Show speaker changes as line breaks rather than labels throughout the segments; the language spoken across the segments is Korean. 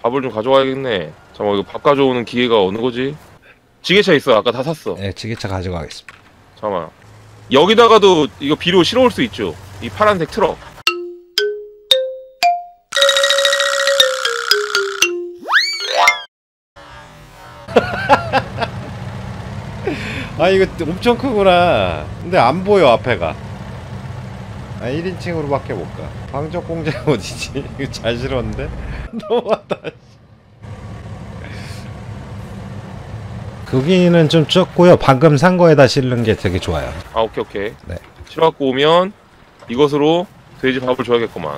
밥을 좀 가져와야겠네. 잠깐만, 이거 밥 가져오는 기계가 어느 거지? 지게차 있어. 아까 다 샀어.
네, 지게차 가져가겠습니다.
잠깐만. 여기다가도 이거 비료 실어올 수 있죠? 이 파란색 트럭.
아, 이거 엄청 크구나. 근데 안 보여, 앞에가. 아, 1인칭으로밖에 못 가. 방적 공장 어디지? 이거 잘 실었는데? 너무하다. 거기는 좀 적고요. 방금 산 거에다 실는 게 되게 좋아요.
아, 오케이, 오케이.
네.
실어갖고 오면 이것으로 돼지 밥을 줘야겠구만.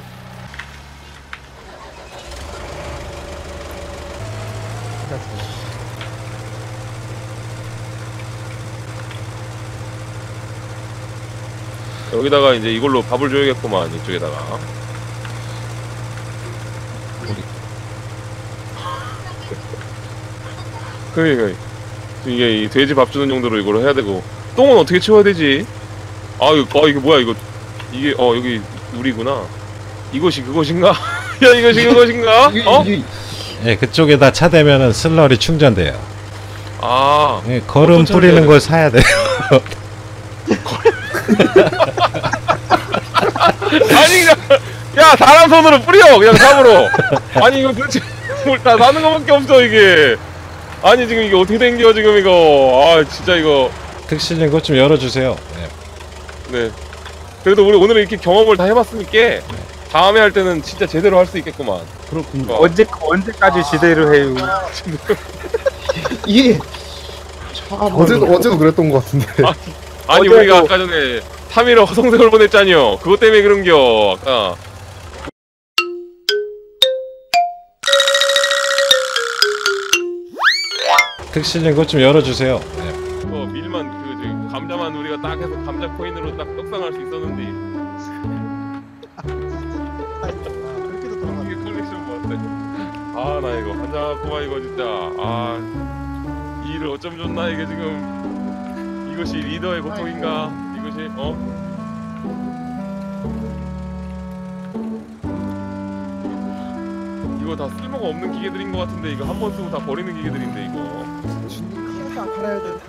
여기다가 이제 이걸로 밥을 줘야겠구만. 이쪽에다가. 그래. 이게 이 돼지 밥 주는 용도로 이걸 해야 되고. 똥은 어떻게 치워야 되지? 아, 이게 뭐야, 이거. 이게, 여기 우리구나. 이것이 그것인가? 야, 이것이 그것인가? 어?
예, 그쪽에다 차 대면은 슬러리 충전돼요.
아.
예, 거름 뿌리는 걸 사야 돼요.
아니, 그냥, 야, 사람 손으로 뿌려! 그냥 삽으로! 아니, 이거 도대체, 뭘 다 사는 거밖에 없어, 이게. 아니, 지금 이게 어떻게 된겨, 지금 이거. 아, 진짜 이거.
특실님 그것 좀 열어주세요. 네.
네. 그래도 우리 오늘 이렇게 경험을 다 해봤으니까, 다음에 할 때는 진짜 제대로 할 수 있겠구만.
그렇군요. 언제까지 지대로 해요?
이게 어제도 그랬던 것 같은데.
아니, 우리가 아까 전에 3일을 허송세월 보냈잖여. 그것 때문에 그런겨, 아까.
특실님 그것 좀 열어주세요. 네.
밀만, 저기, 감자만 우리가 딱 해서 감자 코인으로 딱 떡상할 수 있었는데.
그렇게도 돌아가.
이게 컬렉션 뭐였대? 아, 나 이거 환장하구만, 이거 진짜. 아, 이 일을 어쩜 좋나, 이게 지금. 이것이 리더의 고통인가? 이것이, 이거 다 쓸모가 없는 기계들인 것 같은데, 이거 한 번 쓰고 다 버리는 기계들인데, 이거.
팔아야 돼.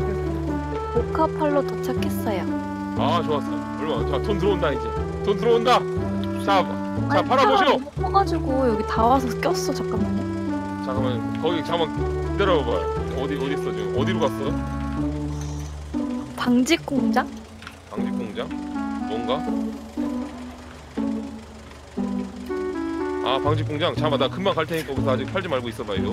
보카팔로 도착했어요.
아, 좋았어. 얼마? 자, 돈 들어온다, 이제. 돈 들어온다! 자, 팔아보시오!
못 퍼가지고 여기 다 와서 꼈어. 잠깐만요.
잠깐만, 거기, 잠깐만, 기다려봐봐요. 어디 있어, 지금? 어디로 갔어?
방직 공장?
방직 공장? 뭔가? 아, 방직 공장? 잠깐만, 나 금방 갈 테니까 거기서 아직 팔지 말고 있어봐요.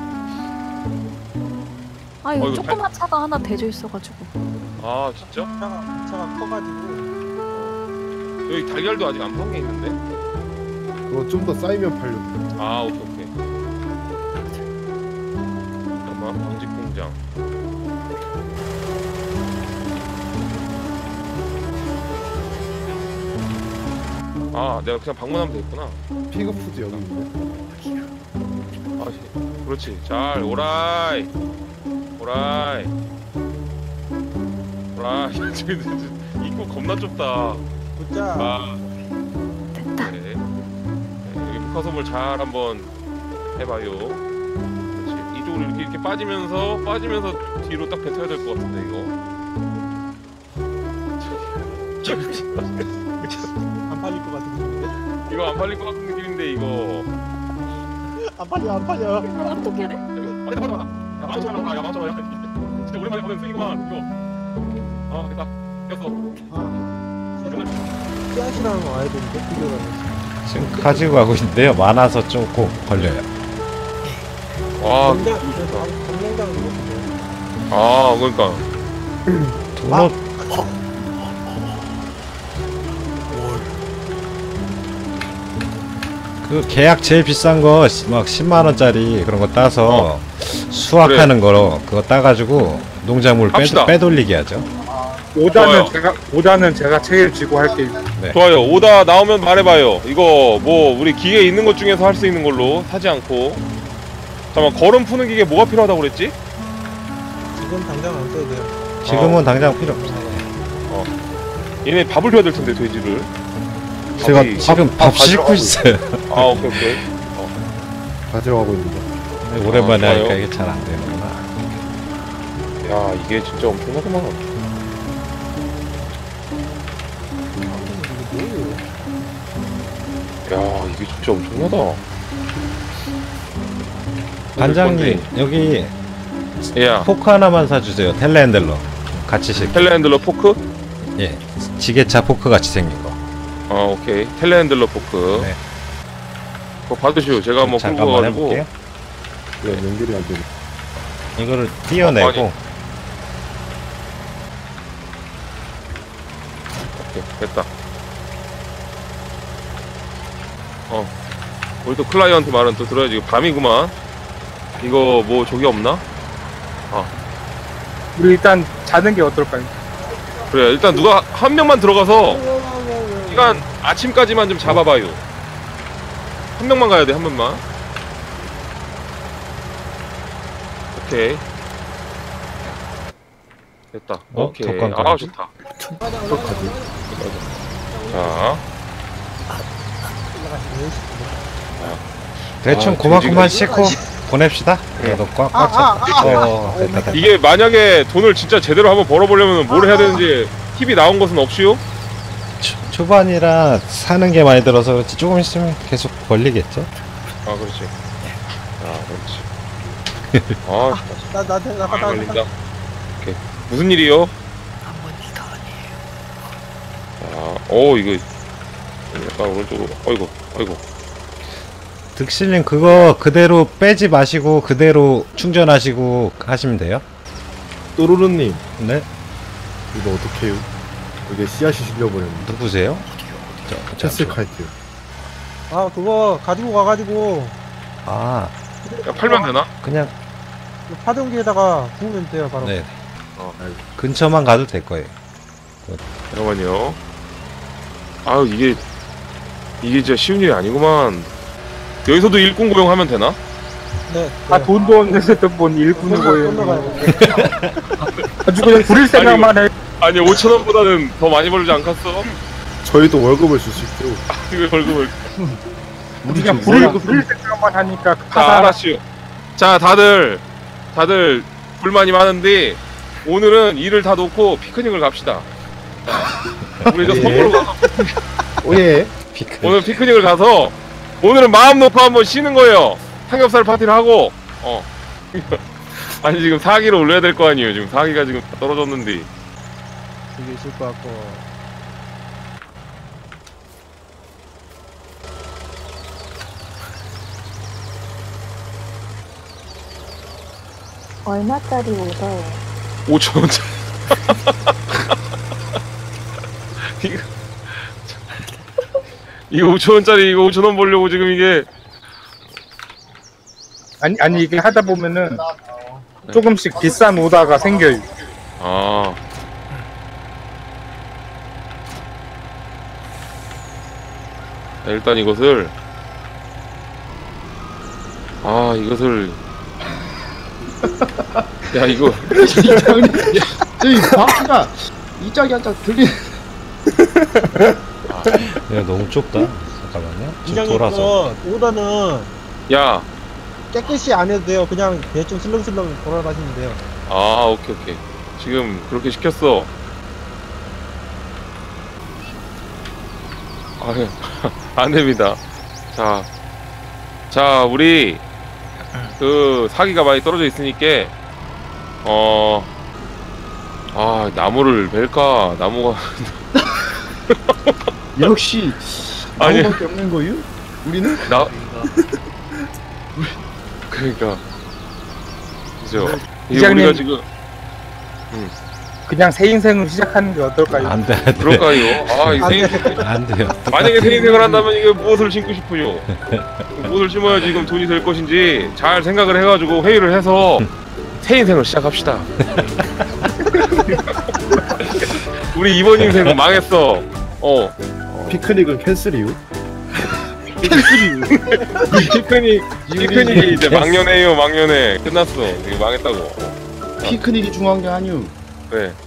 아, 이거
이거
조그만 차가 하나 대져 있어가지고.
아, 진짜?
차가 커가지고
여기 달걀도 아직 안 판 게 있는데?
그거 좀 더 쌓이면 팔려.
아, 오케이. 잠깐만, 방직 공장. 아, 내가 그냥 방문하면 되겠구나.
피그푸드 여기 있네.
아, 그렇지. 잘, 오라이. 입구 겁나 좁다.
보자.
아,
됐다.
네. 여기 북화섬을 잘 한번 해봐요. 그렇지. 이쪽으로 이렇게 빠지면서 뒤로 딱 뱉어야 될 것 같은데, 이거.
안 팔릴 것 같은 느낌인데?
이거 안 팔릴 것 같은 느낌인데, 이거.
안 팔려.
이걸 어떻게 해?
빨리 받아. 야, 11,000원. 야, 11,000원. 진짜 오랜만에 보는 수익이구만, 이거. 아, 됐다. 꼈어.
씨앗이랑 와야 되는데 필요하네.
지금 가지고 가고 있는데요. 많아서 조금 걸려요.
와,
공장장 이거
아, 그러니까.
도넛 그 계약 제일 비싼 거 막 10만 원짜리 그런 거 따서 수확하는 거로 그거 따가지고 농작물
합시다.
빼돌리게 하죠.
좋아요.
오다는 제가 책임지고 할게요.
좋아요. 오다 나오면 말해봐요. 이거 뭐 우리 기계 있는 것 중에서 할 수 있는 걸로 사지 않고. 잠깐만, 걸음 푸는 기계 뭐가 필요하다고 그랬지?
지금 당장 안 써도 돼요.
지금은 당장 필요 없어요.
얘네 밥을 줘야 될 텐데, 돼지를.
제가
밥이-
지금 밥 싣고 있어요.
아, 오케이.
가지러 가고 있는데.
오랜만에
좋아요.
하니까 이게 잘 안 되는구나.
야 이게 진짜 엄청나구만. 야 이게 진짜 엄청나다.
반장님 여기
야
포크 하나만 사주세요. 텔레핸들러 같이 실.
텔레핸들러 포크?
예, 지게차 포크 같이 생긴 거.
오케이 텔레핸들러 포크.
네.
그거 받으시오. 제가 한번 끌고
잠깐만
가가지고.
해볼게요.
왜 연결이 안 되네.
이거를 띄어내고
아니. 오케이 됐다. 우리 또 클라이언트 말은 또 들어야지. 이거 밤이구만. 이거 뭐 저기 없나?
우리 일단 자는 게 어떨까요?
그래 일단 누가 한 명만 들어가서 시간 아침까지만 좀 잡아봐요. 한 명만 가야 돼. 한 명만. 오케이 됐다. 오케이
독감
아 좋다.
어떡하지?
자
대충
아,
고만고만
돼지가-
싣고 보냅시다. 그래도 꽉꽉 차. 됐다.
이게 만약에 돈을 진짜 제대로 한번 벌어보려면 뭘 해야 되는지 팁이 나온 것은 없이요?
초반이라 사는 게 많이 들어서 그렇지 조금 있으면 계속 벌리겠죠.
아 그렇지. 그렇지. 아 걸린다. 오케이 무슨 일이요? 이거 약간 오른쪽으로. 어이구.
득실님 그거 그대로 빼지 마시고 그대로 충전하시고 하시면 돼요.
또르르님
네.
이거 어떻게 해요? 이게 씨앗이 실려버렸는데.
누구세요?
체스카이트.
아 그거 가지고 가가지고
아
야, 팔면 되나?
그냥
파동기에다가 구우면 돼요 바로.
네
알겠어.
근처만 가도 될 거예요.
잠깐만요. 아유 이게 진짜 쉬운 일이 아니구만. 여기서도 일꾼 고용하면 되나?
네.
아 돈도 없는데 돈 일꾼을
또
거예요.
가요.
아주 그냥 부릴 생각만 해.
아니 5,000원보다는 더 많이 벌지 않겠어?
저희도 월급을 줄 수 있죠.
이거 벌금을.
우리 그냥 부릴 생각만 하니까
자 알았슈. 자 다들 불만이 많은데 오늘은 일을 다 놓고 피크닉을 갑시다. 우리 저
예.
섬으로 가서
오예.
오늘 피크닉을 가서 오늘은 마음 놓고 한번 쉬는 거예요. 삼겹살 파티를 하고 아니 지금 사기를 올려야 될 거 아니에요. 지금 사기가 지금 다 떨어졌는데.
되게 있을 것 같고.
얼마짜리 오더예요?
5,000원짜리. 이거 5,000원짜리 이거 5,000원 벌려고 지금 이게.
아니 이게 하다 보면은 조금씩 비싼 오다가 생겨요.
아. 자, 일단 이것을 야 이거
저기 바퀴가 이 짝이 한 짝 들리.
야 너무 좁다. 잠깐만요. 지금
이장님
돌아서.
그 오더는
야.
깨끗이 안 해도 돼요. 그냥 대충 슬렁슬렁 돌아가시면 돼요.
아 오케이 지금 그렇게 시켰어. 아유 안됩니다. 자 우리 그 사기가 많이 떨어져 있으니까 나무를 벨까. 나무가
역시
아니.
나무밖에 없는 거유? 우리는
나 그러니까 그죠. 이게
이장님.
우리가 지금
그냥 새 인생을 시작하는 게 어떨까요?
안 돼.
그럴까요? 이 생일
안 돼요.
만약에 새 인생을 한다면 이게 무엇을 심고 싶으요? 무엇을 심어야 지금 돈이 될 것인지 잘 생각을 해가지고 회의를 해서 새 인생을 시작합시다. 우리 이번 인생은 망했어.
피크닉은 캔슬이요?
피크닉이 이제 망년회요. 망년회 끝났어. 이게 망했다고.
피크닉이 중요한 게 아니오.
그래.